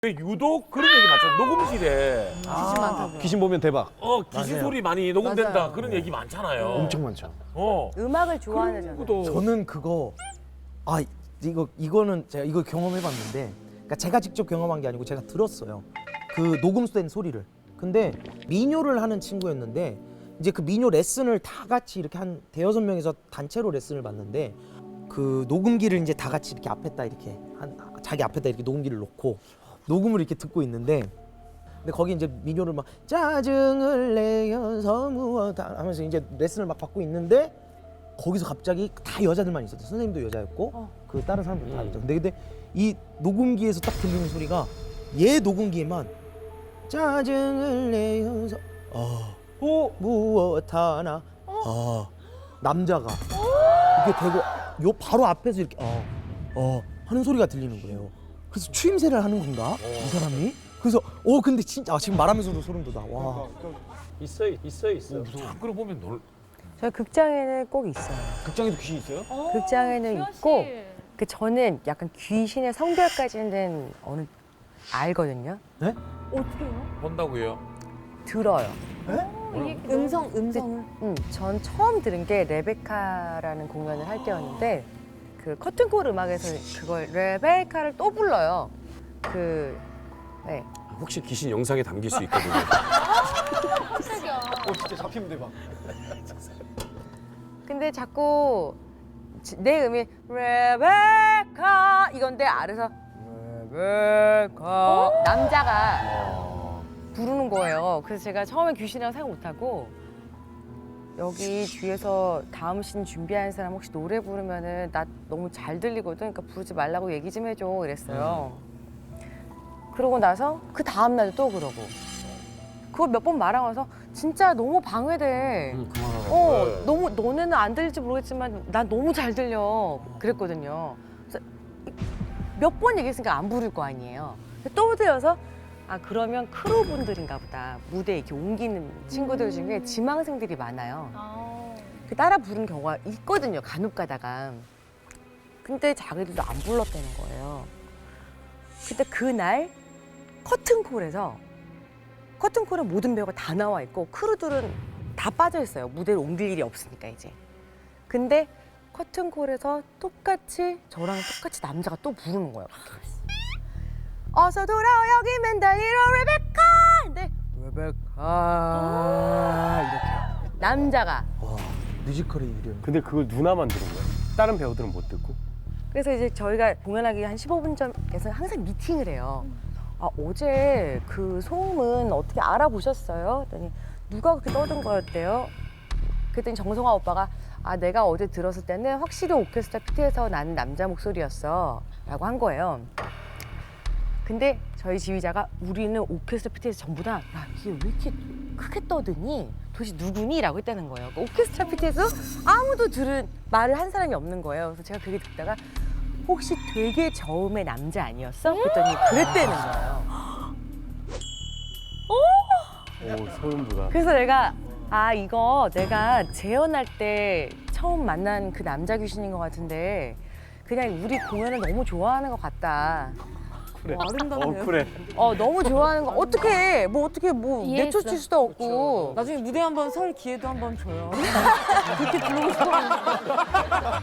유독 그런 얘기 많잖아. 녹음실에 귀신 많다고. 귀신 보면 대박. 귀신 맞아요. 소리 많이 녹음된다. 맞아요. 그런 얘기 많잖아요. 엄청 많죠. 음악을 좋아하는 것도 저는 그거 이거는 제가 이거 경험해봤는데, 그러니까 제가 직접 경험한 게 아니고 제가 들었어요. 그 녹음된 소리를. 근데 민요를 하는 친구였는데 이제 그 민요 레슨을 다 같이 이렇게 한 대여섯 명이서 단체로 레슨을 받는데 그 녹음기를 이제 다 같이 이렇게 앞에다 이렇게 자기 앞에다 이렇게 녹음기를 놓고 녹음을 이렇게 듣고 있는데, 근데 거기 이제 민요를 막 짜증을 내어서 무엇다 하면서 이제 레슨을 막 받고 있는데 거기서 갑자기 다 여자들만 있었대. 선생님도 여자였고 그 다른 사람들 다 여자. 근데 이 녹음기에서 딱 들리는 소리가 얘 녹음기에만 짜증을 내어서 무엇 하나 남자가 이렇게 되고 요 바로 앞에서 이렇게 하는 소리가 들리는 거예요. 그래서 추임새를 하는 건가 이 사람이? 그래서 근데 진짜 지금 말하면서도 소름 돋아. 와. 있어요. 그걸 보면 저희 극장에는 꼭 있어요. 극장에도 귀신 있어요? 극장에는 있고 그 저는 약간 귀신의 성별까지는 알거든요. 네? 본다고요. 들어요. 음성을? 전 처음 들은 게 레베카라는 공연을 할 때였는데 그 커튼콜 음악에서 그걸 레베카를 또 불러요. 네. 혹시 귀신 영상에 담길 수 있거든요. 진짜 잡히면 대박. 근데 자꾸 내 음이 레베카 이건데 아래서 레베카 남자가 부르는 거예요. 그래서 제가 처음엔 귀신이라고 생각 못하고 여기 뒤에서 다음 씬 준비하는 사람 혹시 노래 부르면은 나 너무 잘 들리거든. 그러니까 부르지 말라고 얘기 좀 해줘 이랬어요. 그러고 나서 그 다음 날도 또 그러고 그거 몇 번 말하고 나서 진짜 너무 방해돼. 너무 너네는 안 들릴지 모르겠지만 난 너무 잘 들려 그랬거든요. 그래서 몇 번 얘기했으니까 안 부를 거 아니에요. 또 들려서 그러면 크루분들인가 보다. 무대에 이렇게 옮기는 친구들 중에 지망생들이 많아요. 그 따라 부르는 경우가 있거든요. 간혹 가다가. 근데 자기들도 안 불렀다는 거예요. 근데 그날 커튼콜에서 커튼콜은 모든 배우가 다 나와 있고 크루들은 다 빠져 있어요. 무대를 옮길 일이 없으니까 이제. 근데 커튼콜에서 저랑 똑같이 남자가 또 부르는 거예요. 어서 돌아와 여기 맨다리로 레베카! 근데 레베카 이렇게 남자가. 와, 뮤지컬의 이름. 근데 그걸 누나만 들은 거야? 다른 배우들은 못 듣고? 그래서 이제 저희가 공연하기 한 15분 전에서 항상 미팅을 해요. 어제 그 소음은 어떻게 알아보셨어요? 그랬더니 누가 그렇게 떠든 거였대요? 그랬더니 정성화 오빠가 내가 어제 들었을 때는 확실히 오케스트라 피트에서 나는 남자 목소리였어 라고 한 거예요. 근데 저희 지휘자가 우리는 오케스트라 피트에서 전부 다 이게 왜 이렇게 크게 떠드니? 도대체 누구니? 라고 했다는 거예요. 그러니까 오케스트라 피트에서 아무도 들은 말을 한 사람이 없는 거예요. 그래서 제가 그게 듣다가 혹시 되게 저음의 남자 아니었어? 그랬더니 그랬다는 거예요. 오, 소름 돋아. 그래서 내가 이거 내가 재연할 때 처음 만난 그 남자 귀신인 것 같은데 그냥 우리 공연을 너무 좋아하는 것 같다. 그래. 아름답네요. 그래. 너무 좋아하는 거 어떻게 이해했어. 내쫓을 수도 없고. 나중에 무대 한번 설 기회도 한번 줘요. 그렇게 부르고 싶어.